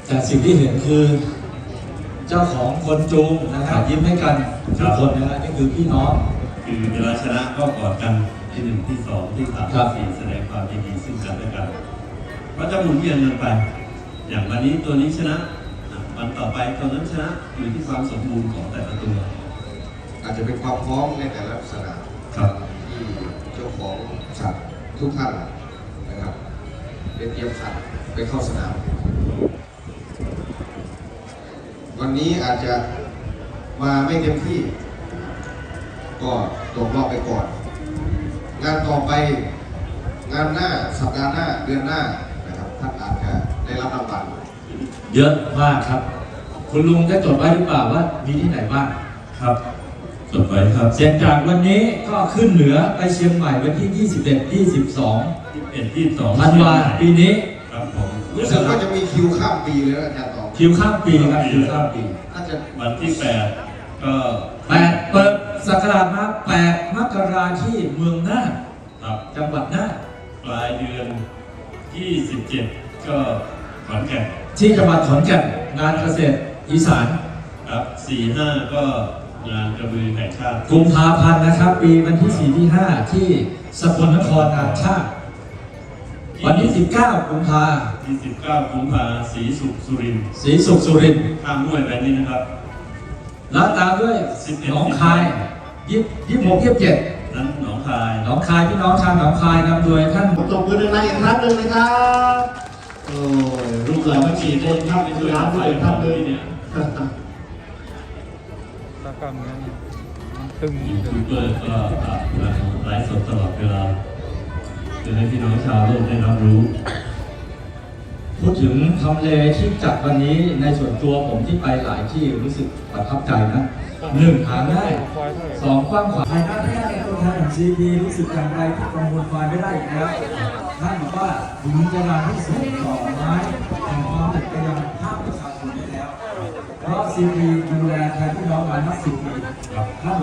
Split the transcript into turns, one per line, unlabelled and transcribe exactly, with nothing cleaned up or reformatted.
แต่สิ่งที่เห็นคือเจ้าของคนจูงนะฮะยิ้มให้กันทุกคนนะฮะนี่คือพี่น้อง
คือเวลาชนะก็กอดกันที่หนึ่งที่สองที่สามที่สี่แสดงความยินดีซึ่งกันและกันก็จะหมุนเวียนกันไปอย่างวันนี้ตัวนี้ชนะวันต่อไปตัวนั้นชนะอยู่ที่ความสมบูรณ์ของแต่ละตัว
อาจจะเป็นความพร้อมในแต่ละสนามที่เจ้าของสัตว์ทุกท่านนะครับได้เตรียมสัตว์ไปเข้าสนามวันนี้อาจจะมาไม่เต็มที่ก็ตกรอบไปก่อนงานต่อไปงานหน้าสัปดาห์หน้าเดือนหน้านะครับท่านอาจจะได้รับรางวัล
เยอะมากครับคุณลุงได้จดไว้หรือเปล่าว่ามีที่ไหนบ้าง
ครับจดไว้ครับ
เสียงจากวันนี้ก็ขึ้นเหนือไปเชียงใหม่วันที่ยี่สิบเอ็ด ยี่สิบสอง
ยี่สิบเอ็ด ยี่สิบสอง
ธันวาปีนี้
ครับผม
รู้สึกว่าจะมีคิวข้ามปีเลยอาจารย์ต่อ
คิวข้ามปีครับคิวข้ามปี
น่าจะ
วันที่แปดก็
แปดเปิดศักราชมาแปดมกราที่เมืองน่านจังหวัดน่าน
ปลายเดือนที่สิบเจ็ดก็ขอนแก่น
ที่จังหวัดขอนแก่นงานเกษตรอีสาน
ครับสี่ห้าก็งานกระบือแห่งชาติ
กุมภาพันธ์นะครับปีวันที่สี่ที่ห้าที่สกลนครงานชาติวันที่สิบเก้ากุมภา
ที่สิบเก้ากุมภาศรีสุขสุรินทร์
ศรีสุขสุรินทร์
ข้ามห้วยไปนี่นะครับ
แล้วตามด้วยหนองคายยี่ยี่หกยี่เจ็ด
นั้นหนองคาย
หนองคายพี่น้องชาวหนองคายนำโดยท่าน
ตบมือหนึ่งอีกครั้งหนึ่งนะครับโอ้ลูกหลานไม่กี่คนครับในร้านด้วยท่านเลยเนี่ย
ตากรรมนั้นตึง
ยูทูบเบอร์ก็ไลฟ์สดตลอดเวลาจะให้พี่น้องชาวโลกได้รับรู้
พูดถึงทำเลที่จัดวันนี้ในส่วนตัวผมที่ไปหลายที่รู้สึกประทับใจนะหนึ่งหาง่ายสองกว้างขวางภายในที่ได้ตัวแทนของซีพีรู้สึกอย่างไรที่กังวลไฟไม่ได้อีกแล้วท่านบอกว่าถึงจะนานที่สุดต่อไม้แห่งความติดไปยังภาคประชาชนได้แล้วเพราะซีพีดูแลแทนพี่น้องมานับสิบปี